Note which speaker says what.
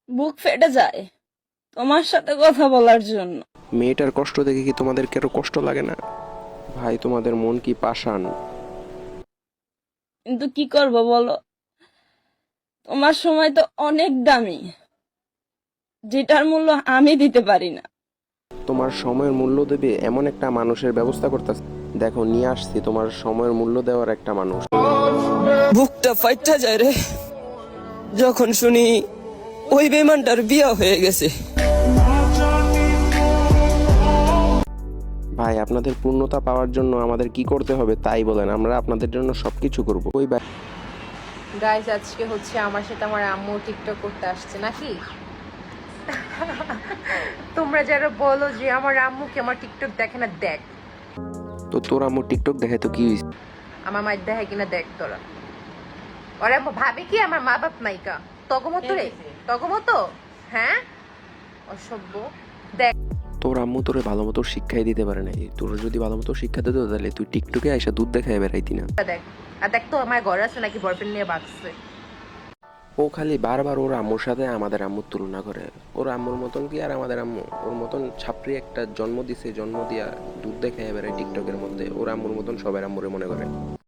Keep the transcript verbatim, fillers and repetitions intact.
Speaker 1: বুক ফেটে যায় তোমার সাথে কথা বলার জন্য।
Speaker 2: মেয়েটার কষ্ট দেখে কি তোমাদের কারো কষ্ট লাগে না? ভাই তোমাদের মন কি পাষাণ?
Speaker 1: কিন্তু কি করব বলো, তোমার সময় তো অনেক দামি, যেটার মূল্য আমি দিতে পারি না।
Speaker 2: তোমার সময়ের মূল্য দেবে এমন একটা মানুষের ব্যবস্থা করতেছে। দেখো নিয়ে আসছি তোমার সময়ের মূল্য দেওয়ার একটা মানুষ।
Speaker 3: বুকটা ফাইটা যায় রে যখন শুনি ওই বেমানটার বিয়া হয়ে গেছে।
Speaker 2: ভাই আপনাদের পূর্ণতা পাওয়ার জন্য আমাদের কি করতে হবে তাই বলেন, আমরা আপনাদের জন্য সবকিছু করব। ওই ভাই
Speaker 4: গাইজ আজকে হচ্ছে আমার সাথে আমার আম্মু টিকটক করতে আসছে নাকি? তোমরা যারা বলো যে আমার আম্মুকে আমার টিকটক দেখে না, দেখ
Speaker 2: তো তোর আম্মু টিকটক দেখে তো কি হয়েছে?
Speaker 4: আমার মায়ের দেখে কিনা দেখ তোরা। ওরা ভাবে কি আমার মা বাপ নাইকা? তগমতো রে, তগমতো। হ্যাঁ, অসভ্য। দেখ
Speaker 2: তোর আম্মু তোরে ভালো মতো শিক্ষাই দিতে পারে নাই। তোর যদি ভালো মতো শিক্ষা দিত তাহলে তুই টিকটকে আইসা দুধ দেখায় বেড়াইতি না।
Speaker 4: দেখ আর দেখ তো আমার ঘরে আছে নাকি বয়ফ্রেন্ড নিয়ে বাঁচছে।
Speaker 2: ও খালি বারবার ওর আম্মুর সাথে আমাদের আম্মুর তুলনা করে। ওর আম্মুর মতন কি আর আমাদের আম্মু? ওর মতন ছাপড়ি একটা জন্ম দিছে, জন্ম দিয়া দুধ দেখায় বেড়ায় টিকটকের মধ্যে। ওর আম্মুর মতন সবার আম্মুরে মনে করে।